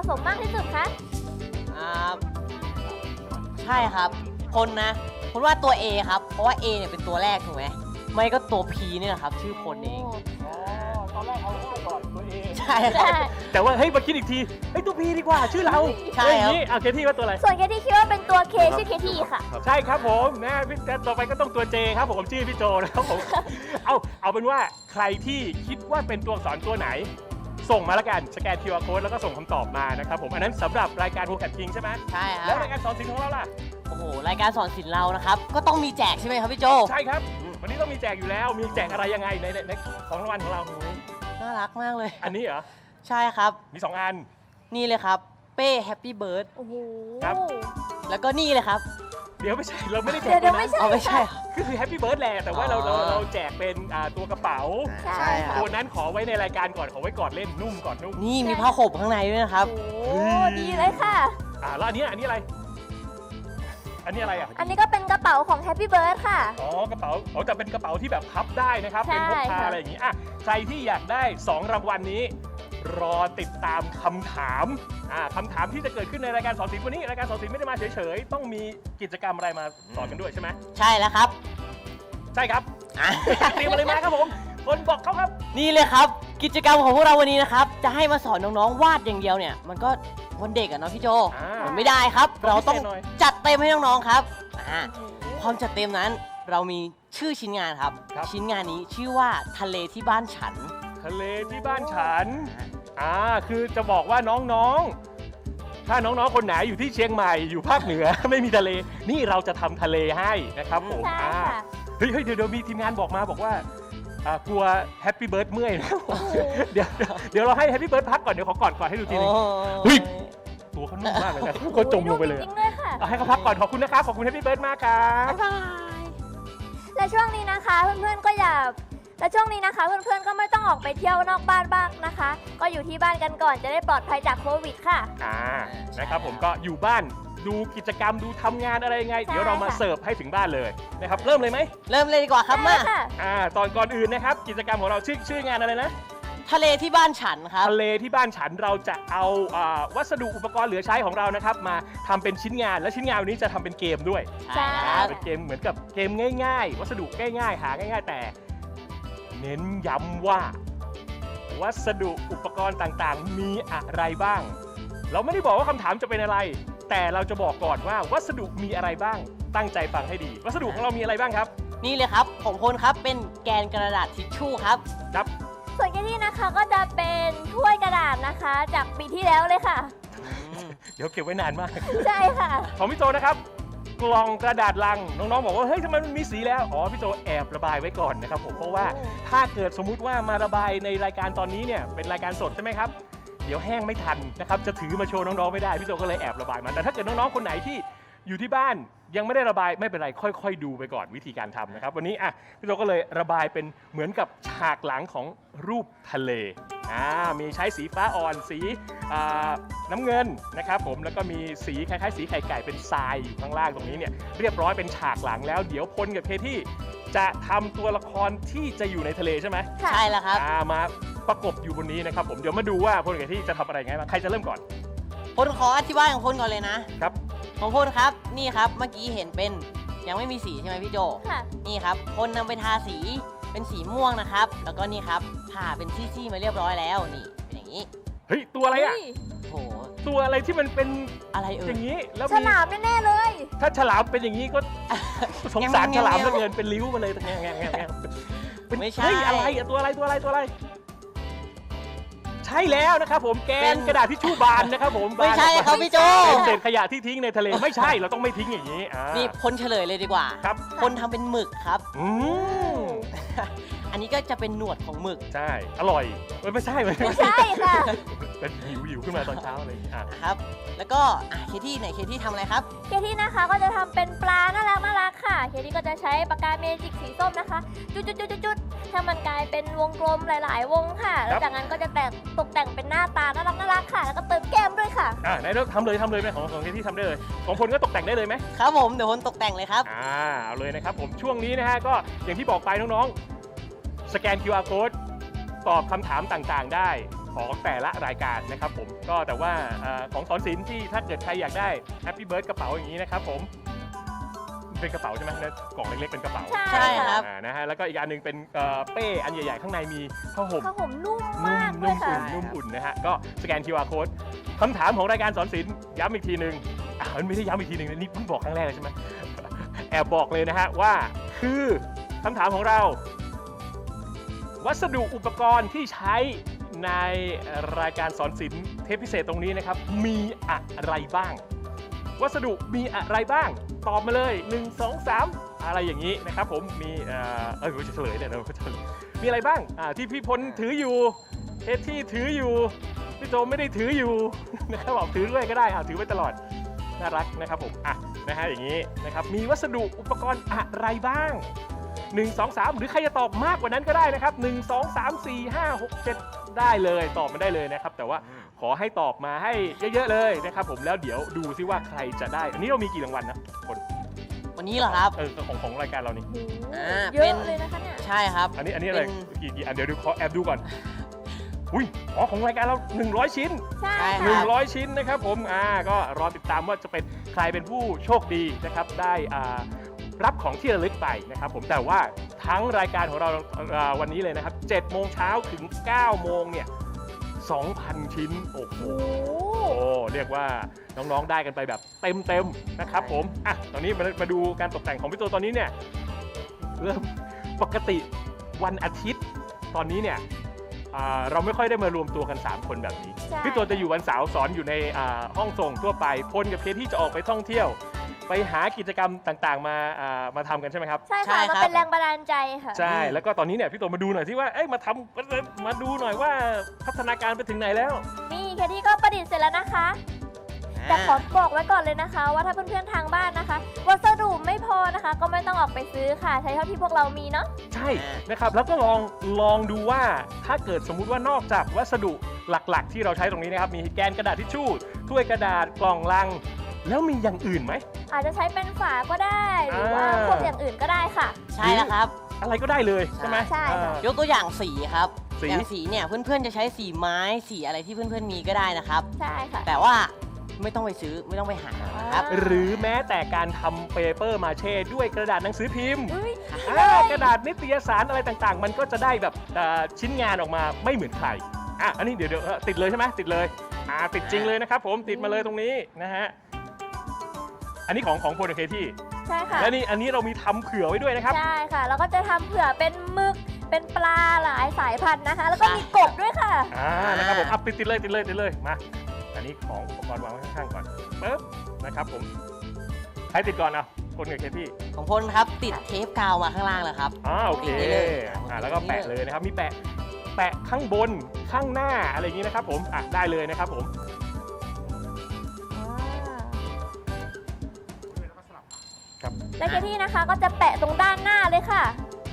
สมมากที่สุดคะใช่ครับคนนะผมว่าตัว A ครับเพราะว่า A เนี่ยเป็นตัวแรกถูกไหมไม่ก็ตัว P นี่แหละครับชื่อคนเองตอนแรกเอาง่ายก่อนตัวเองใช่ครับแต่ว่าเฮ้ยมาคิดอีกทีเฮ้ยตัวพีดีกว่าชื่อเราใช่ครับนี่เอาเคที่ว่าตัวอะไรส่วนเคที่คิดว่าเป็นตัว K ชื่อเคที่ค่ะใช่ครับผมนะพี่ต่อไปก็ต้องตัวเจครับผมชื่อพี่โจนะครับผมเอาเป็นว่าใครที่คิดว่าเป็นตัวอักษรตัวไหน ส่งมาแล้วกันสแกน QR code แล้วก็ส่งคำตอบมานะครับผมอันนั้นสำหรับรายการโฮแคทคิงใช่ไหมใช่คแล้รัวบรายการสอนศิลป์ของเราล่ะโอ้โหรายการสอนศิลป์เรานะครับก็ต้องมีแจกใช่ไหมครับพี่โจใช่ครับวันนี้ต้องมีแจกอยู่แล้วมีแจกอะไรยังไงในของรางวัลของเราน่ารักมากเลยอันนี้เหรอใช่ครับมี2อันนี่เลยครับเป้แฮปปี้เบิร์ดโอ้โหครับแล้วก็นี่เลยครับเดี๋ยวไม่ใช่เราไม่ได้แจกเดี๋ยวนะไม่ใช่เอาไม่ใช่เหรอคือแฮปปี้เบิร์ดแหละแต่ว่าเราแจกเป็นตัวกระเป๋าใช่ค่ะตัวนั้นขอไว้ในรายการก่อนขอไว้ก่อนเล่นนุ่มก่อนนุ่มนี่มีผ้าห่มข้างในด้วยนะครับโอ้ดีเลยค่ะแล้วอันนี้อะไร อันนี้อะไรอ่ะอันนี้ก็เป็นกระเป๋าของ Happy Bird ค่ะอ๋อกระเป๋าแต่เป็นกระเป๋าที่แบบพับได้นะครับใช่เป็นพกพาค่ะอะไรอย่างนี้อ่ะใครที่อยากได้2รางวัลนี้ รอติดตามคำถามคำถามที่จะเกิดขึ้นในรายการสอนศิลป์วันนี้รายการสอนศิลป์ไม่ได้มาเฉยๆต้องมีกิจกรรมอะไรมาสอนกันด้วยใช่ไหมใช่แล้วครับใช่ครับอ่ะเตรียมอะไรมาครับผมคนบอกเขาครับนี่เลยครับ กิจกรรมของพวกเราวันนี้นะครับจะให้มาสอนน้องๆวาดอย่างเดียวเนี่ยมันก็วันเด็กอะเนาะพี่โจ มันไม่ได้ครับ เราต้องพิเศษหน่อยจัดเต็มให้น้องๆครับความจัดเต็มนั้นเรามีชื่อชิ้นงานครับ ชิ้นงานนี้ชื่อว่าทะเลที่บ้านฉันทะเลที่บ้านฉันคือจะบอกว่าน้องๆ ถ้าน้องๆ คนไหนอยู่ที่เชียงใหม่อยู่ภาคเหนือ ไม่มีทะเล นี่เราจะทำทะเลให้นะครับผมใช่ค่ะเฮ้ยเดี๋ยวมีทีมงานบอกมาบอกว่ากลัวแฮปปี้เบิร์ดเมื่อยนะครับผมเดี๋ยวเราให้แฮปปี้เบิร์ดพักก่อนเดี๋ยวขอกอดให้ดูทีนึง เฮ้ย ตัวเขานุ่มมากเลยนะเขาจมลงไปเลยจริงๆด้วยค่ะเอาให้เขาพักก่อนขอบคุณนะครับขอบคุณแฮปปี้เบิร์ดมากครับบ๊ายบาย และช่วงนี้นะคะเพื่อนๆก็อย่าและช่วงนี้นะคะเพื่อนๆก็ไม่ต้องออกไปเที่ยวนอกบ้านบ้างนะคะ ก็อยู่ที่บ้านกันก่อนจะได้ปลอดภัยจากโควิดค่ะนะครับผมก็อยู่บ้านดูกิจกรรมดูทำงานอะไรยังไงใช่เดี๋ยวเรามาค่ะเสิร์ฟให้ถึงบ้านเลยนะครับเริ่มเลยไหมเริ่มเลยดีกว่าครับมาได้ค่ะตอนก่อนอื่นนะครับกิจกรรมของเราชื่องานอะไรนะทะเลที่บ้านฉันครับทะเลที่บ้านฉันเราจะเอาวัสดุอุปกรณ์เหลือใช้ของเรานะครับมาทำเป็นชิ้นงานและชิ้นงานวันนี้จะทำเป็นเกมด้วยใช่เป็นเกมเหมือนกับเกมง่ายๆ วัสดุง่ายๆหาง่ายๆแต่ เน้นย้ำว่า วัสดุอุปกรณ์ต่างๆ มีอะไรบ้าง เราไม่ได้บอกว่าคำถามจะเป็นอะไร แต่เราจะบอกก่อนว่าวัสดุมีอะไรบ้าง ตั้งใจฟังให้ดี วัสดุของเรามีอะไรบ้างครับนี่เลยครับของพลครับเป็นแกนกระดาษทิชชู่ครับครับส่วนแกที่นะคะก็จะเป็นถ้วยกระดาษนะคะ จากปีที่แล้วเลยค่ะเดี๋ยวเก็บไว้นานมากใช่ค่ะของพี่โจนะครับกล่องกระดาษลังน้องๆบอกว่าเฮ้ยทำไมมันมีสีแล้วอ๋อพี่โจแอบระบายไว้ก่อนนะครับผมเพราะว่าถ้าเกิดสมมุติว่ามาระบายในรายการตอนนี้เนี่ยเป็นรายการสดใช่ไหมครับเดี๋ยวแห้งไม่ทันนะครับจะถือมาโชว์น้องๆไม่ได้พี่โจก็เลยแอบระบายมาแต่ถ้าเกิดน้องๆคนไหนที่อยู่ที่บ้านยังไม่ได้ระบายไม่เป็นไรค่อยๆดูไปก่อนวิธีการทำนะครับวันนี้พี่โจก็เลยระบายเป็นเหมือนกับฉากหลังของรูปทะเลมีใช้สีฟ้าอ่อนสีน้ำเงินนะครับผมแล้วก็มีสีคล้ายๆสีไข่ไก่เป็นทรายอยู่ข้างล่างตรงนี้เนี่ยเรียบร้อยเป็นฉากหลังแล้วเดี๋ยวพลกับเคที่จะทำตัวละครที่จะอยู่ในทะเลใช่ไหมค่ะใช่แล้วครับมาประกบอยู่บนนี้นะครับผมเดี๋ยวมาดูว่าพลกับเคที่จะทำอะไรไงบ้างใครจะเริ่มก่อนพลขออธิบายของพลก่อนเลยนะครับ ของพลครับนี่ครับเมื่อกี้เห็นเป็นยังไม่มีสีใช่ไหมพี่โจค่ะนี่ครับพลนำไปทาสีเป็นสีม่วงนะครับแล้วก็นี่ครับผ่าเป็นซี่ๆมาเรียบร้อยแล้วนี่เป็นอย่างนี้เฮ้ยตัวอะไรอ่ะโหตัวอะไรที่มันเป็นอะไรเอ่อย ย่างนี้แล้วฉลามแน่ๆเลยถ้าฉลามเป็นอย่างนี้ก็สงสารแง่ฉๆลามเหลือเกินเป็นริ้วมาเลยแง่แง่แง่แง่เป็นไม่ใช่เฮ้ยอะไรอะตัวอะไรใช่แล้วนะครับผมแกเป็น นกระดาษทิชชู่บานนะครับผมไม่ใช่ครับพี่โจเป็นเศษขยะที่ทิ้งในทะเลไม่ใช่เราต้องไม่ทิ้งอย่างนี้นี่นี่พลเฉลยเลยดีกว่าครับพลทำเป็นหมึกครับมอันนี้ก็จะเป็นหนวดของหมึกใช่อร่อยไม่ใช่ไม่ใช่ค่ะเป็นหิวขึ้นมาตอนเช้าอะไรอย่างงี้นะครับ แล้วก็เคที่ไหนเคที่ทำอะไรครับเคที่นะคะก็จะทำเป็นปลาน่ารักค่ะ เคที่ก็จะใช้ปากกาเมจิกสีส้มนะคะ จุดๆๆๆให้มันกลายเป็นวงกลมหลาย ๆ วงค่ะ แล้วจากนั้นก็จะตกแต่งเป็นหน้าตาน่ารักค่ะ แล้วก็เติมแก้มด้วยค่ะไหนเราทำเลยไหมของเคที่ทำได้เลยของพลก็ตกแต่งได้เลยไหมครับผมเดี๋ยวพลตกแต่งเลยครับเอาเลยนะครับผมช่วงนี้นะฮะก็อย่างที่บอกไปน้องๆสแกน QR code ตอบคำถามต่างๆได้ของแต่ละรายการนะครับผมก็แต่ว่าของสอนศิลป์ที่ถ้าเกิดใครอยากได้ Happy Bird กระเป๋าอย่างนี้นะครับผมเป็นกระเป๋าใช่ไหมกล่องเล็กๆเป็นกระเป๋าใช่ครับนะฮะแล้วก็อีกอันหนึงเป็นเป้อันใหญ่ๆข้างในมีผ้าห่มผ้าห่มนุ่มมากเลนุ่ยมค่ะนุ่มอุ่นนะฮะก็สแกน QR Code คำถามของรายการสอนศิลป์ย้ำอีกทีหนึ่งไม่ได้ย้ำอีกทีหนึ่งนี่เพิ่งบอกครั้งแรกเลยใช่ไหม แอบบอกเลยนะฮะว่าคือคำถามของเรา วัสดุอุปกรณ์ที่ใช้ในรายการสอนศิลป์เทปพิเศษตรงนี้นะครับมีอะไรบ้าง วัสดุมีอะไรบ้างตอบมาเลย 1 2 3 อะไรอย่างนี้นะครับผมมีจะเฉลยเนี่ยเราก็จะมีอะไรบ้างที่พี่พลถืออยู่เอที่ถืออยู่พี่โจไม่ได้ถืออยู่ นะครับบอกถือด้วยก็ได้ถือไว้ตลอดน่ารักนะครับผมนะฮะอย่างนี้นะครับมีวัสดุอุปกรณ์อะไรบ้าง 1 2 3 หรือใครจะตอบมากกว่านั้นก็ได้นะครับ1 2 3 4 5 6 7ได้เลยตอบมาได้เลยนะครับแต่ว่าขอให้ตอบมาให้เยอะๆเลยนะครับผมแล้วเดี๋ยวดูซิว่าใครจะได้อันนี้เรามีกี่รางวัลนะคนวันนี้เหรอครับของรายการเรานี่เยอะเลยนะคะเนี่ยใช่ครับอันนี้อะไรกี่อันเดี๋ยวดูขอแอบดูก่อนอุ้ยของรายการเรา100 ชิ้นใช่ครัค่ะบ 100 ชิ้นนะครับผมก็รอติดตามว่าจะเป็นใครเป็นผู้โชคดีนะครับได้รับของที่ระลึกไปนะครับผมแต่ว่าทั้งรายการของเราวันนี้เลยนะครับ7 โมงเช้าถึง 9 โมงเนี่ย 2,000 ชิ้นโอ้โหเรียกว่าน้องๆได้กันไปแบบเต็มๆนะครับผมตอนนี้มาดูการตกแต่งของพี่โตตอนนี้เนี่ยเริ่มปกติวันอาทิตย์ตอนนี้เนี่ยเราไม่ค่อยได้มารวมตัวกัน3 คนแบบนี้ใช่พี่โตจะอยู่วันเสาร์สอนอยู่ในห้องส่งทั่วไปพลกับเคที่จะออกไปท่องเที่ยว ไปหากิจกรรมต่างๆมาทำกันใช่ไหมครับใช่ใช่ค่ะครับมาเป็นแรงบันดาลใจค่ะใช่แล้วก็ตอนนี้เนี่ยพี่โตมาดูหน่อยที่ว่ามาดูหน่อยว่าพัฒนาการไปถึงไหนแล้วนี่แคที่ก็ประดิษฐ์เสร็จแล้วนะคะ แต่ขอบอกไว้ก่อนเลยนะคะ ว่าถ้าเพื่อนๆทางบ้านนะคะ วัสดุไม่พอนะคะ ก็ไม่ต้องออกไปซื้อค่ะ ใช้เท่าที่พวกเรามีเนาะใช่นะครับแล้วก็ลองดูว่าถ้าเกิดสมมุติว่านอกจากวัสดุหลักๆ ที่เราใช้ตรงนี้นะครับมีแกนกระดาษทิชชู่ถ้วยกระดาษกล่องลัง แล้วมีอย่างอื่นไหมอาจจะใช้เป็นฝาก็ได้ หรือว่าอ่าพวกอย่างอื่นก็ได้ค่ะใช่แล้วครับอะไรก็ได้เลยใช่ไหมใช่ค่ะยกตัวอย่างสีครับสีอย่างสีเนี่ยเพื่อนๆจะใช้สีไม้สีอะไรที่เพื่อนๆมีก็ได้นะครับใช่ค่ะแต่ว่าไม่ต้องไปซื้อไม่ต้องไปหานะครับหรือแม้แต่การทำเปเปอร์มาเช่ด้วยกระดาษหนังสือพิมพ์เฮ้ยกระดาษนิตยสารอะไรต่างๆ มันก็จะได้แบบชิ้นงานออกมาไม่เหมือนใครอันนี้เดี๋ยวติดเลยใช่ไหมติดเลยติดจริงเลยนะครับผมติดมาเลยตรงนี้นะฮะอันนี้ของโพลเคที่ใช่ค่ะและนี่อันนี้เรามีทำเผื่อไว้ด้วยนะครับใช่ค่ะ แล้วก็จะทำเผื่อเป็นหมึก เป็นปลาหลายสายพันธุ์นะคะ แล้วก็มีกบด้วยค่ะนะครับผมติดเลยมาอันนี้ของอุปกรณ์วางไว้ข้างๆก่อนปึ๊บนะครับผมใครติดก่อนคนกับเคที่ของพลครับติดเทปกาวมาข้างล่างแล้วครับโอเคติดได้เลยแล้วก็แปะเลยนะครับมีแปะข้างบนข้างหน้าอะไรอย่างนี้นะครับผมได้เลยนะครับผมและเคที่นะคะก็จะแปะตรงด้านหน้าเลยค่ะ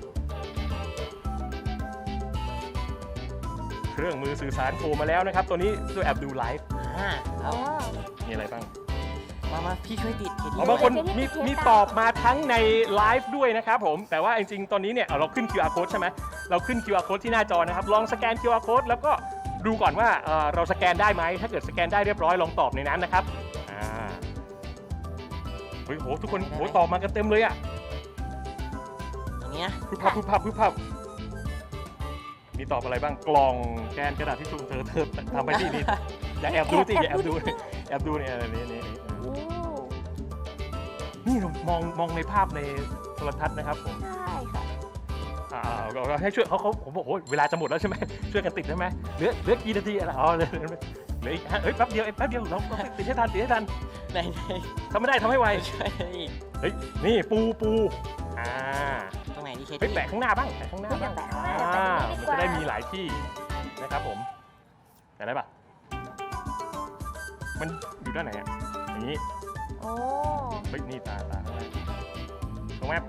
เครื่องมือสื่อสารโผล่มาแล้วนะครับตัวนี้ด้วยแอบดูไลฟ์ครับมีอะไรบ้างมาพี่ช่วยติดเคที่บางคนเคที่มีติดเทปมีตอบมาทั้งในไลฟ์ด้วยนะครับผมแต่ว่าจริงๆตอนนี้เนี่ยเราขึ้น QR code ใช่ไหมเราขึ้น QR code ที่หน้าจอนะครับลองสแกน QR code แล้วก็ดูก่อนว่าเราสแกนได้ไหมถ้าเกิดสแกนได้เรียบร้อยลองตอบในนั้นนะครับเฮ้ยโหทุกคนโหตอบมากันเต็มเลยอ่ะอย่างนี้นะพึบพับมีตอบอะไรบ้างกล่องแกนกระดาษที่ชุมเธอทำไปที่นี่อย่าแอบดูสิอย่าแอบดูเนี่ยนี่นี่เรามองในภาพในโทรทัศน์นะครับผมใช่ค่ะเราให้ช่วยเขาผมบอกโอ้เวลาจะหมดแล้วใช่ไหมช่วยกันติดได้ไหมเหลือกี่นาทีอะไรเหลืออีกแป๊บเดียวเราติดให้ทันไหนทำไม่ได้ทำให้ไวช่วยอีกนี่ปูตรงไหนดีเคไปที่แปะข้างหน้าบ้างมันจะได้มีหลายที่นะครับผมแต่ได้ปะมันอยู่ด้านไหนอย่างนี้โอ้นี่ตาข้างหน้าตรงแมพ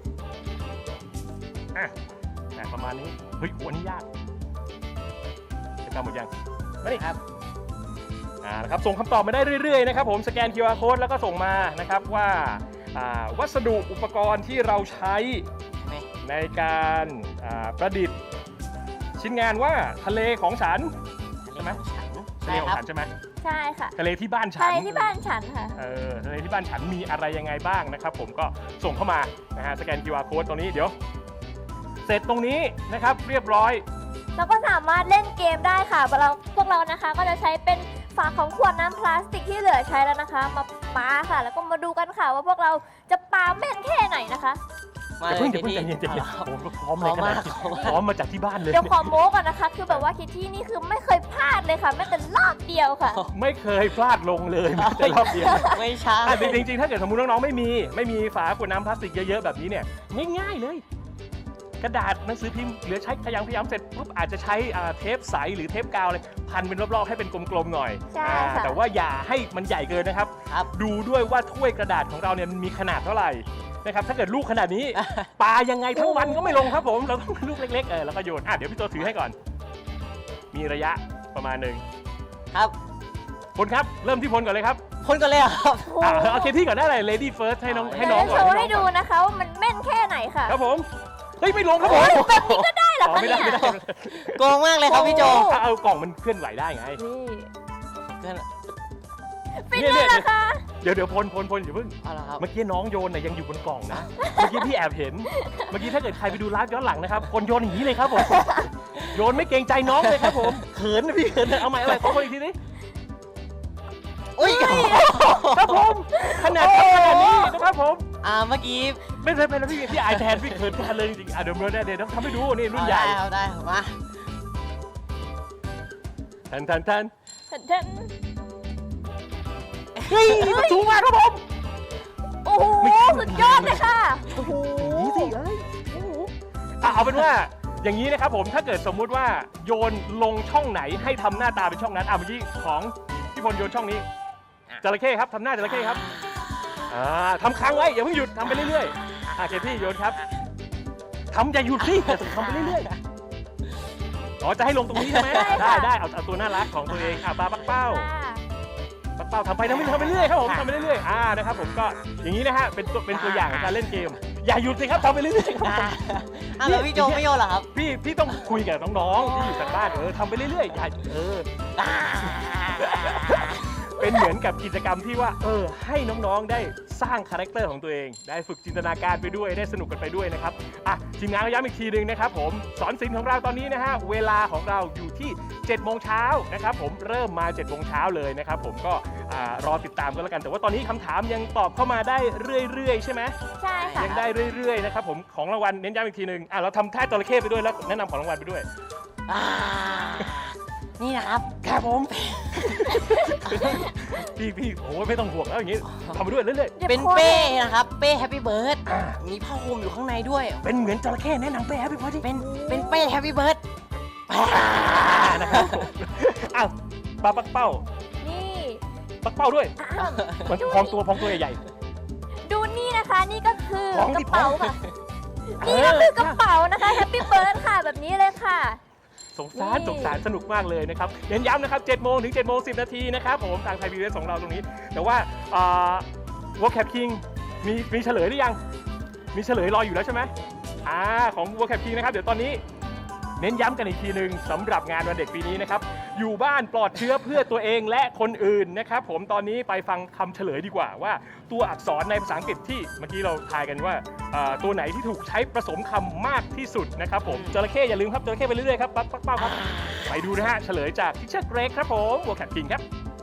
ประมาณนี้อันนี้ยากจะทำหมดยังมาดิครับนะครับส่งคำตอบมาได้เรื่อยๆนะครับผมสแกน QR code แล้วก็ส่งมานะครับว่าวัสดุอุปกรณ์ที่เราใช้ในการประดิษฐ์ชิ้นงานว่าทะเลของฉันช่ไหมฉันทะเลใช่ขอคงรับฉันใช่ไหมใช่ค่ะทะเลที่บ้านฉันทะเลที่บ้านฉันค่ะทะเลที่บ้านฉันมีอะไรยังไงบ้างนะครับผมก็ส่งเข้ามานะฮะสแกน QR code ตรงนี้เดี๋ยว เสร็จตรงนี้นะครับเรียบร้อยแล้วก็สามารถเล่นเกมได้ค่ะพวกเรานะคะก็จะใช้เป็นฝาของขวดน้ำพลาสติกที่เหลือใช้แล้วนะคะ มาปาค่ะ แล้วก็มาดูกันค่ะว่าพวกเราจะปาแม่นแค่ไหนนะคะมาอย่าเลเพิ่ยงอย่าเพิ่งใจพี่เย็นใจเย็นอาละครับโอ้โหพร้อมเลยขนาดนี้พร้อมมากพร้อมมาจากที่บ้านเลยเดี๋ยวขอโม้ก่อนนะคะ คือแบบว่าคิดที่นี่คือไม่เคยพลาดเลยค่ะแม้แต่รอบเดียวค่ะไม่เคยพลาดลงเลยแม้แต่รอบเดียวไม่ใช่อ่ะจริงๆถ้าเกิดสมมติน้องๆไม่มีฝาขวดน้ำพลาสติกเยอะๆแบบนี้เนี่ยง่ายๆเลย กระดาษหนังสือพิมพ์เหลือใช้พยายามเสร็จปุ๊บอาจจะใช้เทปใสหรือเทปกาวเลยพันเป็นรอบๆให้เป็นกลมๆหน่อยใช่ค่ะแต่ว่าอย่าให้มันใหญ่เกินนะครับครับดูด้วยว่าถ้วยกระดาษของเราเนี่ยมันมีขนาดเท่าไหร่นะครับถ้าเกิดลูกขนาดนี้ ปายังไงทั้งวันก็ไม่ลงครับผมเราต้องลูกเล็กๆแล้วก็โยนเดี๋ยวพี่ตัวถือให้ก่อน มีระยะประมาณหนึ่งครับพลครับเริ่มที่พลก่อนเลยครับคนกันเลยเหรอครับเอาเคที่ก่อนได้เลย lady first ให้น้องเดี๋ยวก่จะอนโชว์น้ให้องดูก่อนนะคะว่ามันแม่นแค่ไหนค่ะครับผมเฮ้ยไม่ลงครับผมแบบนี้ก็ได้เหรออ๋อคะไม่เนี่ได้ยไม่ได้โกงมากเลยครับพี่โจเอากล่องมันเคลื่อนไหวได้ไงนี่ฟินเลยเหรอคะเดี๋ยวพลอย่าเพิ่งเอาละครับเมื่อกี้น้องโยนเนี่ยยังอยู่บนกล่องนะ เมื่อกี้พี่แอบเห็น เมื่อกี้ถ้าเกิดใครไปดูไลฟ์ย้อนหลังนะครับคนโยนอย่างนี้เลยครับผม โยนไม่เกรงใจน้องเลยครับผม เขินนะพี่เขินนะเอาใหม่อะไรขอคนอีกทีนี้อุ้ยครับผมขนาดนี้นะครับผมเมื่อกี้ไม่ใช่แล้วพี่อายแทนพี่เขินแทนเลยจริงๆเดี๋ยวต้องทำให้ดูนี่รุ่นใหญ่เอาได้ครับมาทันเท่นเฮ้ยสูงมากครับผมโอ้โหสุดยอดเลยค่ะโอ้โหนี่สิเอ้ยเอาเป็นว่าอย่างนี้นะครับผมถ้าเกิดสมมุติว่าโยนลงช่องไหนให้ทำหน้าตาเป็นช่องนั้นเมื่อกี้ของพี่พลโยนช่องนี้จระเข้ครับทำหน้าจระเข้ครับทำค้างไว้อย่าเพิ่งหยุดทำไปเรื่อยๆเคที่โยนครับทำอย่าหยุดสิทำไปเรื่อยๆจะให้ลงตรงนี้ใช่ไหมได้เอาตัวน่ารักของตัวเองปลาปักเป้า ปักเป้าทำไปทำไปเรื่อยครับผมทำไปเรื่อยนะครับผมก็อย่างนี้นะฮะเป็นตัวอย่างของการเล่นเกม อย่าหยุดสิครับทำไปเรื่อยๆครับผมแล้วพี่โจไม่โยนเหรอครับพี่ต้องคุยกับน้องๆที่อยู่ทางบ้านทำไปเรื่อยๆอย่าเป็นเหมือนกับกิจกรรมที่ว่าให้น้องๆได้สร้างคาแรคเตอร์ของตัวเอง ได้ฝึกจินตนาการไปด้วยได้สนุกกันไปด้วยนะครับทีมงานก็ย้ำอีกทีหนึ่งนะครับผมสอนศิลป์ของเราตอนนี้นะฮะเวลาของเราอยู่ที่7 โมงเช้านะครับผมเริ่มมา7 โมงเช้าเลยนะครับผมก็รอติดตามกันแล้วกันแต่ว่าตอนนี้คำถามยังตอบเข้ามาได้เรื่อยๆใช่ไหมใช่ค่ะยังได้เรื่อยๆนะครับผมของรางวัลเน้นย้ำอีกทีหนึ่งเราทำท่าจระเข้ไปด้วยแล้วแนะนำของรางวัลไปด้วยนี่นะครับครับผม พี่โอ้ยไม่ต้องห่วงแล้วอย่างนี้ทำไปด้วยเรื่อยเป็นเป้นะครับ เป้แฮปปี้เบิร์ดมีผ้าห่มอยู่ข้างในด้วยๆเป็นเหมือนจระเข้แนะนำไปครับพี่พอดีเป็นเป้แฮปปี้เบิร์ดนะครับผมปลาปักเป้านี่ปักเป้าด้วยอ้าวมันพองตัวใหญ่ดูนี่นะคะนี่ก็คือของกที่ระเป๋าของค่ะ นี่ก็คือกระเป๋านะคะแฮปปี้เบิร์ดค่ะแบบนี้เลยค่ะสงสารสนุกมากเลยนะครับเน้นย้ำนะครับ7 โมงถึง7 โมง 10 นาทีนะครับผมทางไทยพีบีเอสของเราตรงนี้ แต่ว่าWorld Cap King มีเฉลยหรือยังมีเฉลยรออยู่แล้วใช่ไหมของ World Cap King นะครับเดี๋ยวตอนนี้เน้นย้ำกันอีกทีหนึ่งสำหรับงานวันเด็กปีนี้นะครับอยู่บ้านปลอดเชื้อเพื่อตัวเองและคนอื่นนะครับผมตอนนี้ไปฟังคำเฉลยดีกว่าว่าตัวอักษรในภาษาอังกฤษที่เมื่อกี้เราทายกันว่าตัวไหนที่ถูกใช้ผสมคำมากที่สุดนะครับผมจระเข้อย่าลืมครับจระเข้ไปเรื่อยๆครับปักเป้าครับไปดูนะฮะเฉลยจากทิชเชอร์เกรกครับผม World Cap King ครับ